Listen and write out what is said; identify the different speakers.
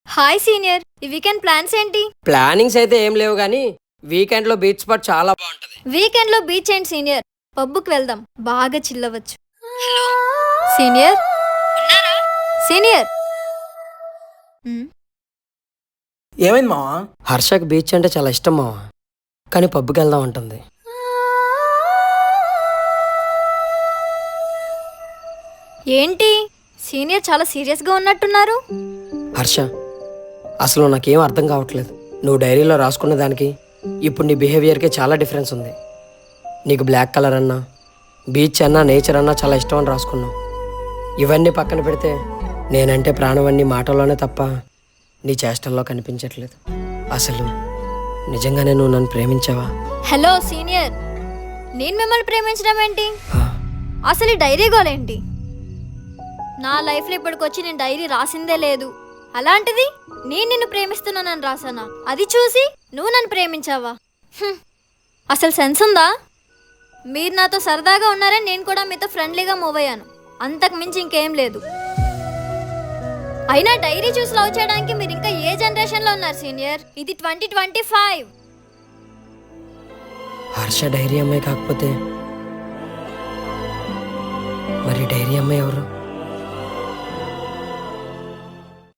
Speaker 1: Hi senior, ఈ weekend plans ఏంటి?
Speaker 2: Plannings అయితే ఏం లేవు కానీ వీకెండ్ లో బీచ్ స్పాట్ చాలా బాగుంటది.
Speaker 1: వీకెండ్ లో బీచ్ ఏంటి సీనియర్, పబ్బుకి వెళ్దాం, బాగా చిల్లవచ్చు. హలో సీనియర్, ఉన్నారా? సీనియర్
Speaker 3: ఏమైంది మావా?
Speaker 2: హర్షకి బీచ్ అంటే చాలా ఇష్టం మావా, కానీ పబ్కి వెళ్దాం అంటుంది.
Speaker 1: ఏంటి సీనియర్ చాలా సీరియస్గా ఉన్నట్టున్నారు?
Speaker 2: హర్ష, అసలు నాకేం అర్థం కావట్లేదు. నువ్వు డైరీలో రాసుకున్న దానికి ఇప్పుడు నీ బిహేవియర్కి చాలా డిఫరెన్స్ ఉంది. నీకు బ్లాక్ కలర్ అన్నా, బీచ్ అన్నా, నేచర్ అన్నా చాలా ఇష్టం అని రాసుకున్నావు. ఇవన్నీ పక్కన పెడితే నేనంటే ప్రాణం అన్ని మాటల్లోనే తప్ప నీ చేష్టల్లో కనిపించట్లేదు. అసలు నిజంగానే నువ్వు నన్ను ప్రేమించావా?
Speaker 1: హలో సీనియర్, నేను మిమ్మల్ని ప్రేమించడం ఏంటి?
Speaker 2: హా?
Speaker 1: అసలు ఈ డైరీ గోలేంటి? నా లైఫ్లో ఇప్పటికొచ్చి నేను డైరీ రాసిందే లేదు. అలాంటిది నేను నిన్ను ప్రేమిస్తున్నానని రాసానా? అది చూసి నువ్వు నన్ను ప్రేమించావా? అసలు సెన్స్ ఉందా? మీరు నాతో సరదాగా ఉన్నారని నేను కూడా మీతో ఫ్రెండ్లీగా మూవ్ అయ్యాను, అంతకు మించి ఇంకేం లేదు. అయినా డైరీ చూసి లవ్ చేయడానికి మీరు ఇంకా ఏ జనరేషన్లో ఉన్నారు సీనియర్? ఇది 2025.
Speaker 2: హర్ష డైరీ అమ్మాయి కాకపోతే మరి డైరీ అమ్మాయి ఎవరు?